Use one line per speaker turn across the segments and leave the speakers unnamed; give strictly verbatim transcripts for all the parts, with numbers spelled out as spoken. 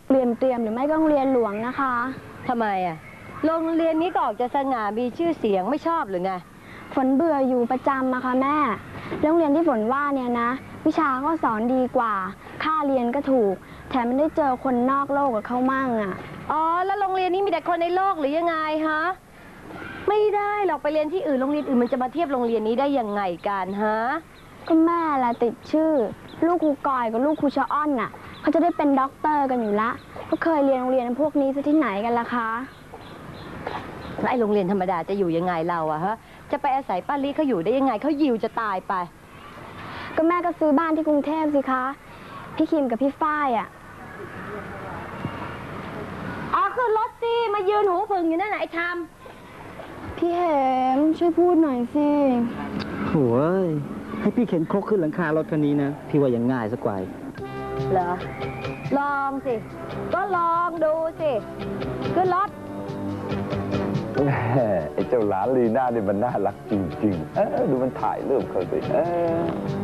เรียนเตรียมหรือไม่ก็โรงเรียนหลวงนะคะ
ทำไมอ่ะโรงเรียนนี้ก็ออกจะสง่ามีชื่อเสียงไม่ชอบหรือไง
ฝนเบื่ออยู่ประจำอะค่ะแม่โรงเรียนที่ฝนว่าเนี่ยนะวิชาก็สอนดีกว่าค่าเรียนก็ถูกแถมมันได้เจอคนนอกโลกกับเขามั่งอะ
อ๋อแล้วโรงเรียนนี้มีแต่คนในโลกหรือยังไงฮะไม่ได้หรอกไปเรียนที่อื่นโรงเรียนอื่นมันจะมาเทียบโรงเรียนนี้ได้ยังไงกันฮะ
ก็แม่ละติดชื่อลูกครูกอยกับลูกครูชะอ้อนน่ะเขาจะได้เป็นด็อกเตอร์กันอยู่ละก็เคยเรียนโรงเรียนพวกนี้ซะที่ไหนกันล่ะคะ
แล้วไอ้โรงเรียนธรรมดาจะอยู่ยังไงเราอะฮะจะไปอาศัยป้าลิเขาอยู่ได้ยังไงเขายิวจะตายไป
ก็แม่ก็ซื้อบ้านที่กรุงเทพสิคะพี่คิมกับพี่ฝ้ายอะ
อ๋อคือรถสิมายืนหูผึ่งอยู่นั่นไหนท
ำพี่เหมช่วยพูดหน่อยสิ
โอ้ยให้พี่เข็นครกขึ้นหลังคารถคันนี้นะพี่ว่ายังง่ายสักกว่า
เหรอลองสิก็ลองดูสิขึ้นรถ
ไอ้เจ้าหลานลีน่าเนี่ยมันน่ารักจริงๆเออดูมันถ่ายรูปเขาสิเออ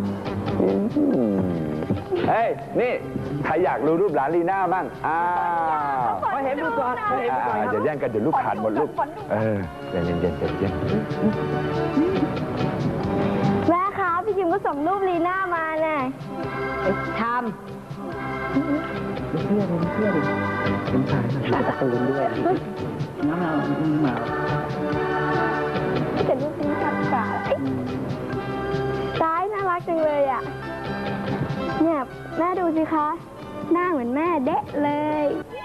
เฮ้ยนี่ใครอยากดูรูปหลานลีน่ามั่งอ้าว
มาเห็นดูก่อนมาเห็นดูก่อน
อย่าแย่งกันเดี๋ยวลูกขาดหมดลูกเออเย็นเย็นเย็นเย็น
แม่คะพี่คิมก็ส่งรูปลีน่ามาแน่
ทำ
เพื่อนเพื่อนเป็นชายถ่ายการ์ตูนด้วยน้ำมามา
เป็นรูปนี้ชัดกว่าซ้ายน่ารักจังเลยอ่ะเนี่ยแม่ดูสิคะหน้าเหมือนแม่เด๊ะเลย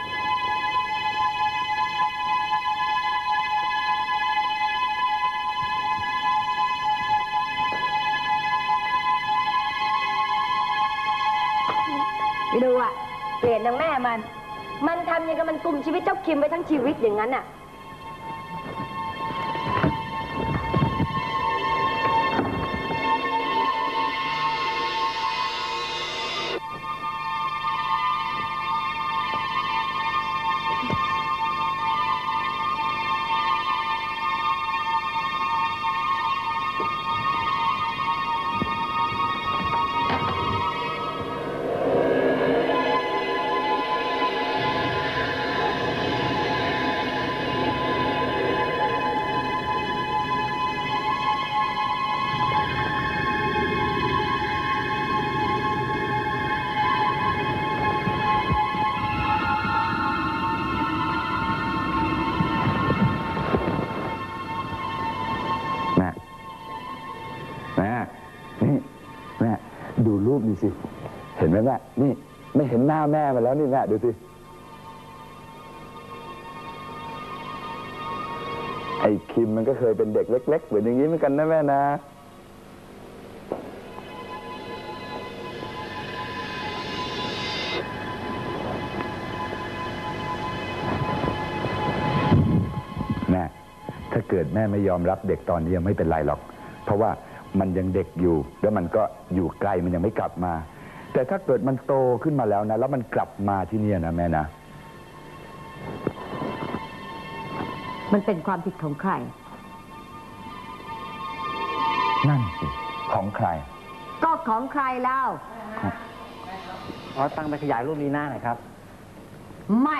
ไปดูอ่ะเปลี่ยนนางแม่มันมันทำยังกับมันกลุ่มชีวิตเจ้าคิมไปทั้งชีวิตอย่างนั้นอ่ะ
ดูรูปนี่สิเห็นไหมแม่นี่ไม่เห็นหน้าแม่มาแล้วนี่แม่ดูสิไอ้คิมมันก็เคยเป็นเด็กเล็กๆเหมือนอย่างนี้เหมือนกันนะแม่นะแม่ถ้าเกิดแม่ไม่ยอมรับเด็กตอนนี้ยังไม่เป็นไรหรอกเพราะว่ามันยังเด็กอยู่แล้วมันก็อยู่ไกลมันยังไม่กลับมาแต่ถ้าเกิดมันโตขึ้นมาแล้วนะแล้วมันกลับมาที่นี่นะแม่นะ
มันเป็นความผิดของใคร
นั่นสิของใคร
ก็ของใครเล่า
ขอตั้งไปขยายรูปนี้หน้าหน่อยครับ
ไม่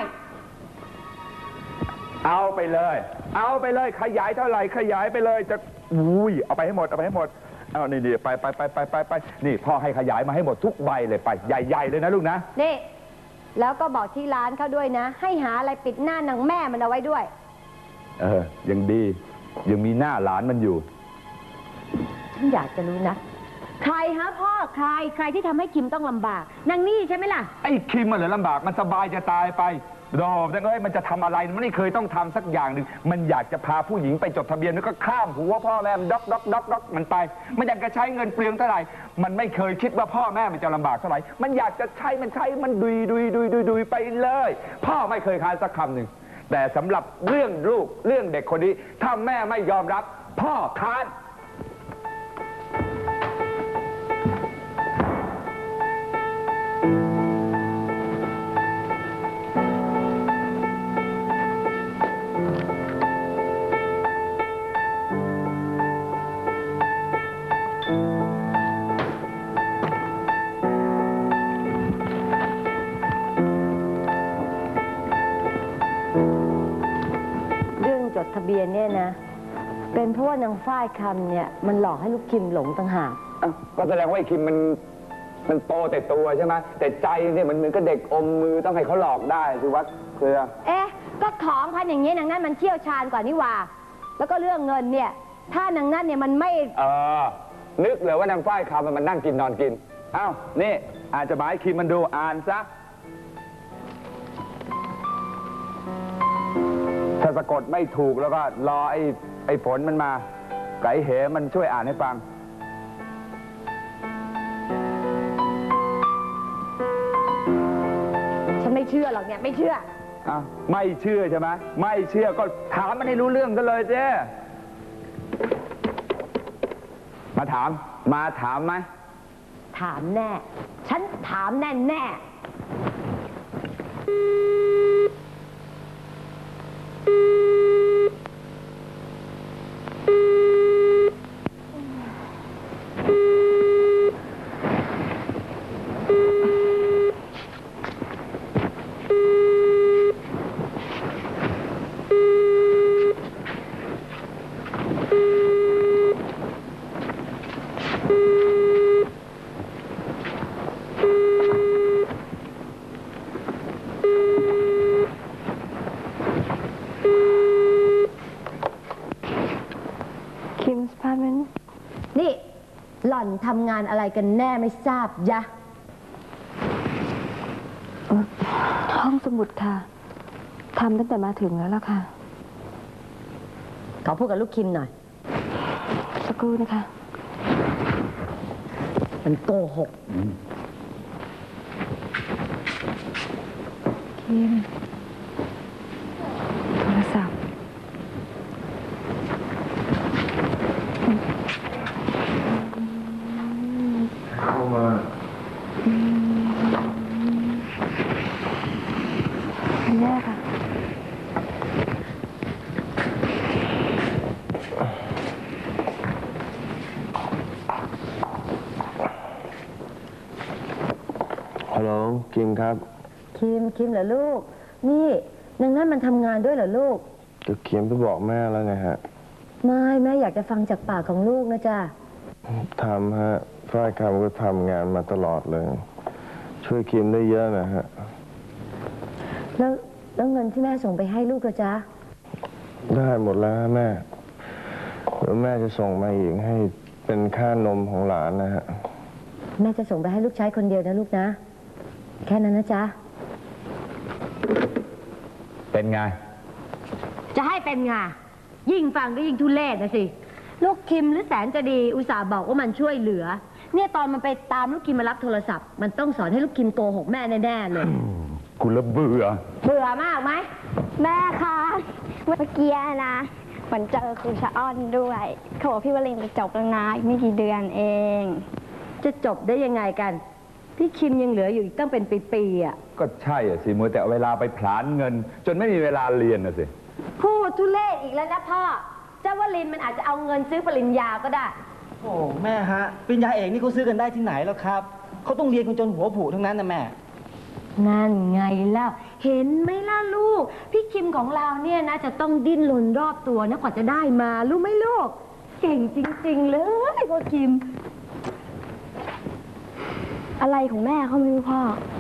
เอาไปเลยเอาไปเลยขยายเท่าไหร่ขยายไปเลยจะอุ้ยเอาไปให้หมดเอาไปให้หมดเอานี่ดีไปไปไปไปไปไปนี่พ่อให้ขยายมาให้หมดทุกใบเลยไปใหญ่ๆเลยนะลูกนะ
นี่แล้วก็บอกที่ร้านเขาด้วยนะให้หาอะไรปิดหน้านางแม่มันเอาไว้ด้วย
เออยังดียังมีหน้าหลานมันอยู่
ฉันอยากจะรู้นะใครฮะพ่อใครใครที่ทำให้คิมต้องลำบากนางนี่ใช่ไหมล่ะ
ไอ้คิมมันเหรอลำบากมันสบายจะตายไปรอแต่เอ้ยมันจะทำอะไรมันไม่เคยต้องทำสักอย่างหนึ่งมันอยากจะพาผู้หญิงไปจดทะเบียนแล้วก็ข้ามหัวพ่อแม่มันด็อกด็อกด็อกด็อกมันไปมันอยากจะใช้เงินเปลืองเท่าไหร่มันไม่เคยคิดว่าพ่อแม่มันจะลำบากเท่าไหร่มันอยากจะใช้มันใช้มันดุยดุยดุยดุยดุยไปเลยพ่อไม่เคยค้านสักคำหนึ่งแต่สำหรับเรื่องลูกเรื่องเด็กคนนี้ถ้าแม่ไม่ยอมรับพ่อค้าน
ทะเบียนเนี่ยนะ เป็นเพราะว่านางฝ้ายคำเนี่ยมันหลอกให้ลูกคิมหลงต่างหาก
อ้าวก็แสดงว่าไอ้คิมมันมันโตแต่ตัวใช่ไหมแต่ใจเนี่ยมันเหมือนกับเด็กอมมือต้องให้เขาหลอกได้สิวะเครือ
เอ๊ะ ก็ของพันอย่างนี้นางนั่นมันเชี่ยวชาญกว่านี่หว่า แล้วก็เรื่องเงินเนี่ย ถ้านางนั่นเนี่ยมันไม่
เออ นึกเลยว่านางฝ้ายคำมันนั่งกินนอนกิน อ้าว นี่อาจจะหมายคิมมันดูอ่านซะ ถ้าสะกดไม่ถูกแล้วก็รอไอ้ไอ้ฝนมันมา ไก่เหมันช่วยอ่านให้ฟัง
ฉันไม่เชื่อหรอกเนี่ยไม่เชื่อ
อ้าว ไม่เชื่อใช่ไหมไม่เชื่อก็ถามมันให้รู้เรื่องกันเลยเจ้มาถาม มาถามไหม
ถามแน่ ฉันถามแน่แน่
คิมส์พาร์ทเมนต์
นี่ หล่อนทำงานอะไรกันแน่ไม่ทราบยะ
ห้องสมุดค่ะทำตั้งแต่มาถึงแล้วล่ะค่ะ
ขอพูดกับลูกคิมหน่อย
สักครู่นะคะ
มันโกหก
คิม โทรศัพท์
เข้ามา
อันแรกค่ะ
ฮัลโหลกิมครับ
คิม คิมเหรอลูก นี่นางนั่นมันทำงานด้วยเหรอลูก
ก็คิมไปบอกแม่แล้วไงฮะ
ไม่แม่อยากจะฟังจากปากของลูกนะจ๊ะ
ทำฮะฝ้ายคำก็ทำงานมาตลอดเลย ช่วยคิมได้เยอะนะฮะ
แล้วแล้วเงินที่แม่ส่งไปให้ลูกละจ๊ะ
ได้หมดแล้วฮะแม่แล้วแม่จะส่งมาอีกให้เป็นค่านมของหลานนะฮะ
แม่จะส่งไปให้ลูกใช้คนเดียวนะลูกนะ แค่นั้นนะจ๊ะ
เป็นไง
จะให้เป็นไงยิ่งฟังก็ยิ่งทุเรศนะสิ ลูกคิมหรือแสนจะดีอุตส่าห์บอกว่ามันช่วยเหลือ เนี่ยตอนมันไปตามลูกคิมมารับโทรศัพท์ มันต้องสอนให้ลูกคิมโกหกแม่แน่ๆเลย
กูละเบื่อ
เบื่อมากไหม
แม่คะเมื่อกี้นะฝนเจอครูชะอ้อนด้วยเขาบอกพี่วลินจะจบแล้วนะอีกไม่กี่เดือนเอง
จะจบได้ยังไงกัน พี่คิมยังเหลืออยู่อีกตั้งเป็นปีๆอ่ะ
ก็ใช่อะสิมัวแต่เอาเวลาไปผลาญเงิน จนไม่มีเวลาเรียนนะสิ
พูดทุเรศอีกแล้วนะพ่อ เจ้าวลินมันอาจจะเอาเงินซื้อปริญญาก็ได้
โอ้แม่ฮะปริญญาเอกนี่เขาซื้อกันได้ที่ไหนแล้วครับเขาต้องเรียนกันจนหัวผุทั้งนั้นนะแม่
นั่นไงแล้วเห็นไหมล่ะลูก พี่คิมของเราเนี่ยนะจะต้องดิ้นรนรอบตัวนะกว่าจะได้มารู้ไหมลูก เก่งจริง ๆ เลยพ่อคิม
อะไรของแม่เขาไม่รู้พ่อ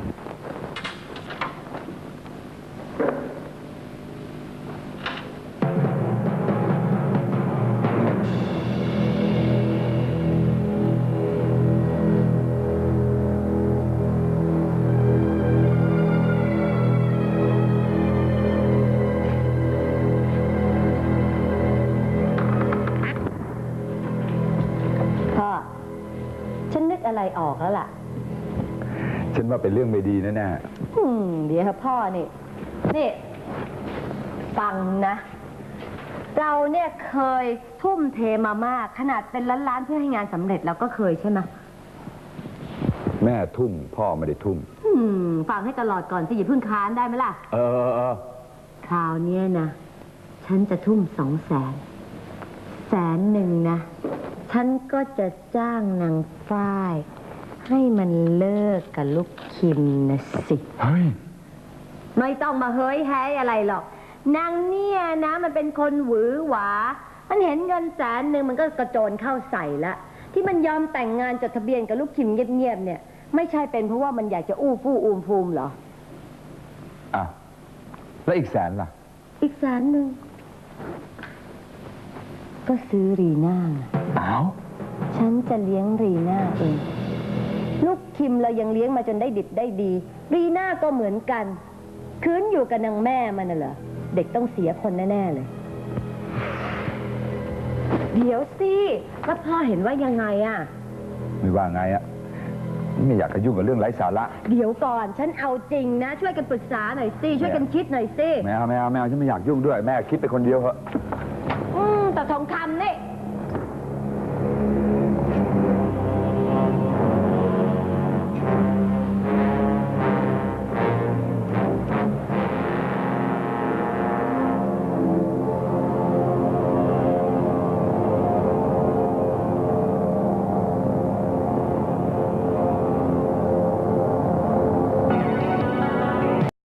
พ่อ ฉันนึกอะไรออกแล้วล่ะ
ฉันว่าเป็นเรื่องไม่ดีแน่
อืมเดี๋ยวพ่อนี่ นี่ ฟังนะ เราเนี่ยเคยทุ่มเทมามาก ขนาดเป็นล้านๆเพื่อให้งานสำเร็จเราก็เคยใช่ไหม
ๆแม่ทุ่มพ่อไม่ได้ทุ่ม
อืม ฟังให้ตลอดก่อนสิอย่าเพิ่งค้านได้ไหมล่ะ
เออเออเออ
คราวเนี้ยนะ ฉันจะทุ่มสองแสน แสนหนึ่งนะ ฉันก็จะจ้างนางฝ้าย ให้มันเลิกกับลูกคิมนะสิ
เฮ้ย
ไม่ต้องมาเฮ้ยแฮ้ยอะไรหรอกนางเนี่ยนะมันเป็นคนหวือหวา มันเห็นเงินแสนหนึ่งมันก็กระโจนเข้าใส่ละที่มันยอมแต่งงานจดทะเบียนกับลูกคิมเงียบๆเนี่ยไม่ใช่เป็นเพราะว่ามันอยากจะอู้ฟู่อูมฟูมเหรอ
อ้าวแล้วอีกแสนล่ะ
อีกแสนหนึ่งก็ซื้อรีน่าไง
อ้าว
ฉันจะเลี้ยงรีน่าเองลูกคิมเรายังเลี้ยงมาจนได้ดิบได้ดี รีน่าก็เหมือนกันคืนอยู่กับนางแม่มันน่ะเหรอเด็กต้องเสียคนแน่ๆเลยเดี๋ยวสิแล้วพ่อเห็นว่ายังไงอะ
ไม่ว่าไงอะไม่อยากจะยุ่งกับเรื่องไร้สาระ
เดี๋ยวก่อนฉันเอาจริงนะ ช่วยกันปรึกษาหน่อยสิช่วยกันคิดหน่อยสิ
ไม่เอาไม่เอาไม่เอาฉันไม่อยากยุ่งด้วยแม่คิดไปคนเดียวเหอะ
อืมแต่ทองคำนี่